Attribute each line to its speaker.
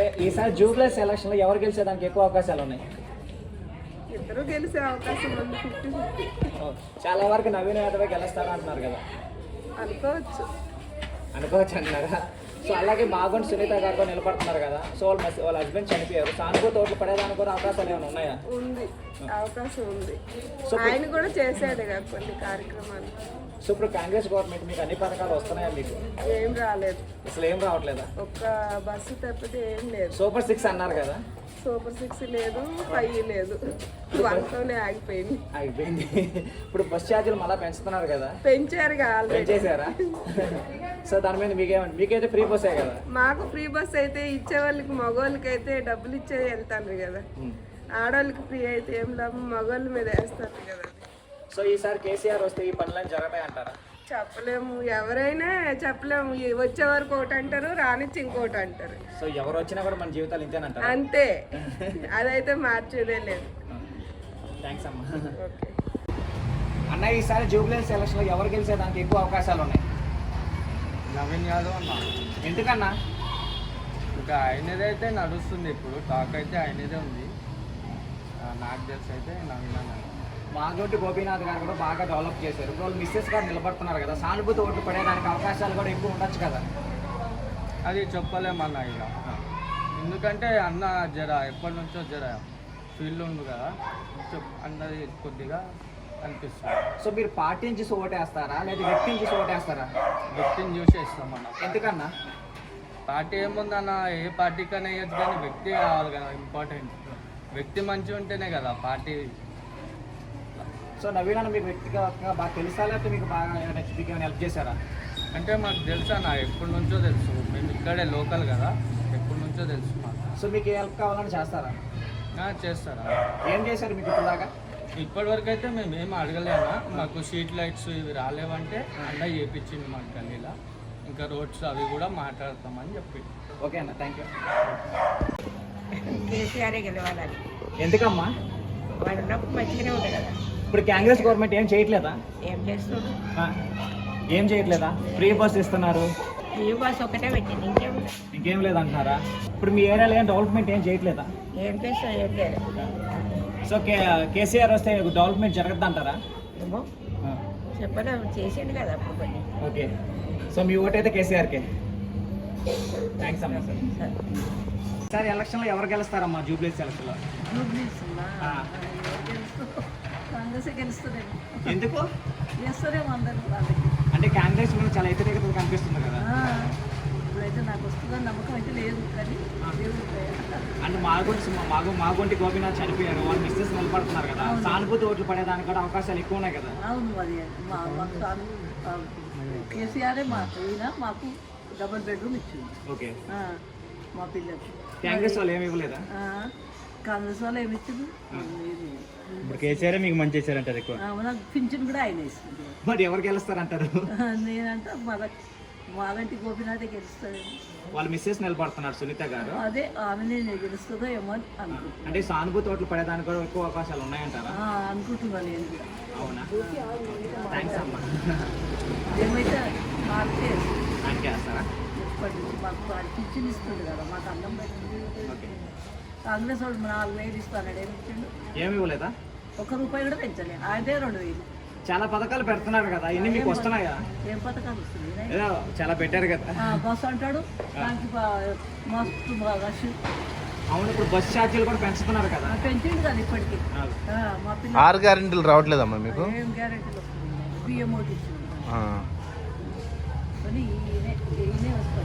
Speaker 1: ఈసారి Jubilee selection లో ఎవరు గెలిచేదానికి ఎక్కువ అవకాశాలు ఉన్నాయి?
Speaker 2: ఇద్దరు గెలిచే అవకాశం ఉంది, 50-50
Speaker 1: చాలా వరకు నవీన్ యాదవ్ గెలుస్తాడు అంటున్నారు కదా,
Speaker 2: అనుకోవచ్చు.
Speaker 1: అనుకోవచ్చు అంటున్నారా? సో అలాగే మాగొండ సునీత గారు కూడా నిలబడుతున్నారు కదా, సో వాళ్ళ హస్బెండ్ చనిపోయారు. సానుభూతి ఓట్లు పడేదానికి కూడా అవకాశాలు ఏమైనా ఉన్నాయా?
Speaker 2: ఉంది, అవకాశం ఉంది. ఆయన కూడా చేశాడు కదా కొన్ని కార్యక్రమాలు.
Speaker 1: సో ఇప్పుడు కాంగ్రెస్ గవర్నమెంట్ మీకు అన్ని పథకాలు వస్తున్నాయా? మీకు
Speaker 2: ఏం రాలేదు,
Speaker 1: అసలు ఏం రావట్లేదా?
Speaker 2: ఒక్క బస్సు తప్పితే ఏం లేదు.
Speaker 1: సూపర్ 6 అన్నారు కదా,
Speaker 2: సూపర్ 6 లేదు, 5 లేదు, 1తోనే ఆగిపోయింది.
Speaker 1: అయిపోయింది. ఇప్పుడు బస్ ఛార్జీలు మళ్ళీ పెంచుతున్నారు కదా,
Speaker 2: పెంచారు
Speaker 1: పెంచేసారా? సో దాని మీద మీకైతే ఫ్రీ బస్సే కదా?
Speaker 2: మాకు ఫ్రీ బస్ అయితే ఇచ్చే వాళ్ళకి, మగవాళ్ళకి అయితే డబ్బులు ఇచ్చే వెళ్తాను కదా, ఆడవాళ్ళకి ఫ్రీ అయితే ఏం లాభం, మగవాళ్ళ మీద వేస్తారు కదా.
Speaker 1: సో ఈసారి కేసీఆర్ వస్తే ఈ పనులన్నీ జరుగుతాయి అంటారా?
Speaker 2: చెప్పలేము, ఎవరైనా చెప్పలేము. వచ్చే వరకు ఒకటి అంటారు, రానిచ్చి ఇంకోటి అంటారు.
Speaker 1: సో ఎవరు వచ్చినా కూడా మన జీవితాలు ఇంతేనంటారు?
Speaker 2: అంతే, అదైతే మార్చేదే లేదు.
Speaker 1: థ్యాంక్స్ అమ్మా.
Speaker 2: ఓకే
Speaker 1: అన్న, ఈసారి జూబ్లీ సెలక్షన్లో ఎవరు గెలిచేదానికి ఎక్కువ అవకాశాలు ఉన్నాయి?
Speaker 3: నవీన్ యాదవ్ అన్న.
Speaker 1: ఎందుకన్నా?
Speaker 3: ఇంకా ఆయనదే అయితే నడుస్తుంది, ఇప్పుడు టాక్ అయితే ఆయనదే ఉంది. నాకు తెలిసి అయితే నవీన్ అన్న.
Speaker 1: మాగొంటి గోపీనాథ్ గారు కూడా బాగా డెవలప్ చేశారు. ఇప్పుడు వాళ్ళు మిస్సెస్ గారు నిలబడుతున్నారు కదా, సానుభూతి ఓట్లు పడేదానికి అవకాశాలు కూడా ఎక్కువ ఉండొచ్చు కదా?
Speaker 3: అది చెప్పలేమన్న ఇక, ఎందుకంటే అన్న జర ఎప్పటి నుంచో జర ఫీల్డ్ ఉంది కదా, అన్నది కొద్దిగా అనిపిస్తుంది.
Speaker 1: సో మీరు పార్టీని చూసి ఓటేస్తారా లేదా వ్యక్తిని చూసి ఓటేస్తారా?
Speaker 3: వ్యక్తిని చూసి ఇస్తామన్న.
Speaker 1: ఎందుకన్నా?
Speaker 3: పార్టీ ఏముందన్న, ఏ పార్టీకైనా వేయచ్చు, కానీ వ్యక్తి కావాలి కదా ఇంపార్టెంట్. వ్యక్తి మంచిగా ఉంటేనే కదా పార్టీ.
Speaker 1: సో నవీన్ అన్న మీకు వ్యక్తిగతంగా బాగా తెలుసా, లేకపోతే మీకు బాగా ఏమైనా హెల్ప్ చేశారా?
Speaker 3: అంటే మాకు తెలుసా నా, ఎప్పటి నుంచో తెలుసు, మేము ఇక్కడే లోకల్ కదా, ఎప్పటి నుంచో తెలుసు మాకు.
Speaker 1: సో మీకు ఏ హెల్ప్ కావాలని చేస్తారా?
Speaker 3: చేస్తారా?
Speaker 1: ఏం చేశారు మీకు ఇప్పుడు దాకా?
Speaker 3: ఇప్పటివరకు అయితే మేము ఏం అడగలేనా, మాకు స్ట్రీట్ లైట్స్ ఇవి రాలేవంటే అన్న చేయించింది మాకు గల్లీలో, ఇంకా రోడ్స్ అవి కూడా మాట్లాడతామని చెప్పి.
Speaker 1: ఓకే అన్న, థ్యాంక్ యూ.
Speaker 4: కేసీఆరే గెలవాలని.
Speaker 1: ఎందుకమ్మా?
Speaker 4: వాడు ఉన్నప్పుడు మంచిగానే ఉంటుంది కదా.
Speaker 1: ఇప్పుడు కాంగ్రెస్ గవర్నమెంట్ ఏం చేయట్లేదా?
Speaker 4: ఏం చేస్తున్నాడు?
Speaker 1: ఏం చేయట్లేదా? ఫ్రీ బస్ ఇస్తున్నారు,
Speaker 4: ఫ్రీ బస్ ఒకటే పెట్టింది, ఇంకేం
Speaker 1: ఇంకేం లేదంటున్నారా? ఇప్పుడు మీ ఏరియాలో ఏం డెవలప్మెంట్ ఏం చేయట్లేదా?
Speaker 4: ఏం చేస్తా, ఏం లేదు.
Speaker 1: సో కేసీఆర్ వస్తే డెవలప్మెంట్ జరగద్దు అంటారా?
Speaker 4: ఏమో చెప్పడం, చేసిండు కదా అప్పుడు కొన్ని.
Speaker 1: ఓకే, సో మీ ఓటు అయితే కేసీఆర్కే. థ్యాంక్స్ అమ్మా. సార్ సార్ ఎలక్షన్లో ఎవరు గెలుస్తారమ్మా జూబ్లీ ఎలక్షన్లో?
Speaker 2: కాంగ్రెస్ గెలుస్తుందేమో.
Speaker 1: ఎందుకు
Speaker 2: చేస్తారేమో అందరూ వాళ్ళకి.
Speaker 1: అంటే కాంగ్రెస్ మీద చాలా వ్యతిరేకత కనిపిస్తుంది కదా?
Speaker 2: ఇప్పుడైతే నాకు వస్తుందని నమ్మకం అయితే లేదు, కానీ
Speaker 1: అంటే మాగొంటి గోపీనాథ్ చనిపోయారు, వాళ్ళు మిస్సెస్ నిలబడుతున్నారు కదా, సానుభూతి ఓట్లు పడేదానికి కూడా అవకాశాలు ఎక్కువ ఉన్నాయి కదా?
Speaker 2: అవును, అది కేసీఆరే మాకు డబుల్ బెడ్రూమ్ ఇచ్చింది.
Speaker 1: ఓకే,
Speaker 2: మా పిల్లలకి.
Speaker 1: కాంగ్రెస్ వాళ్ళు ఏమి ఇవ్వలేదా?
Speaker 2: కాంగ్రెస్ వాళ్ళు ఏమి ఇచ్చింది?
Speaker 1: ఇప్పుడు కేసీఆర్ మీకు మంచి చేశారంటారు ఎక్కువ.
Speaker 2: నాకు పింఛన్ కూడా ఆయన ఇస్తుంది.
Speaker 1: మరి ఎవరు గెలుస్తారంటారు?
Speaker 2: నేనంటే మాగంటి గోపీనాథే గెలుస్తుంది.
Speaker 1: వాళ్ళు మిస్సెస్ నిలబడుతున్నారు సునీత గారు,
Speaker 2: అదే ఆమెనే గెలుస్తుందో ఏమో అని అనుకుంటున్నాను.
Speaker 1: అంటే సానుభూతి ఓట్లు పడేదానికి కూడా ఎక్కువ అవకాశాలు ఉన్నాయంటారా?
Speaker 2: అనుకుంటున్నాను నేను కూడా.
Speaker 1: అవునా? థ్యాంక్స్ అమ్మా.
Speaker 2: ఏమైతే మార్కే
Speaker 1: ఆయనకే వేస్తారా?
Speaker 2: ఇప్పటి నుంచి మాకు పింఛన్ ఇస్తుంది కదా, మాకు అన్నం పెట్టింది. కాంగ్రెస్ వాడు 4,000 ఇస్తాడు, ఏమి ఇచ్చిండు?
Speaker 1: ఏమి ఇవ్వలేదా?
Speaker 2: ₹1 కూడా పెంచలేదు, ఆయనే 2,000.
Speaker 1: చాలా పథకాలు పెడుతున్నారు కదా, ఇన్ని మీకు వస్తున్నాయా?
Speaker 2: ఏం పథకాలు వస్తుంది?
Speaker 1: ఏదో చాలా పెట్టారు కదా.
Speaker 2: బస్సు అంటాడు, దానికి మస్తు రష్.
Speaker 1: అవును, ఇప్పుడు బస్ ఛార్జీలు కూడా పెంచుతున్నారు కదా.
Speaker 2: పెంచిండు కదా ఇప్పటికి. మా పిల్లలు
Speaker 5: 6 గ్యారెంటీలు రావట్లేదమ్మా మీకు?
Speaker 2: ఏం గ్యారెంటీలు వస్తుంది? బియ్యం ఒకటి ఇచ్చింది, కానీ ఈయనే వస్తాడు.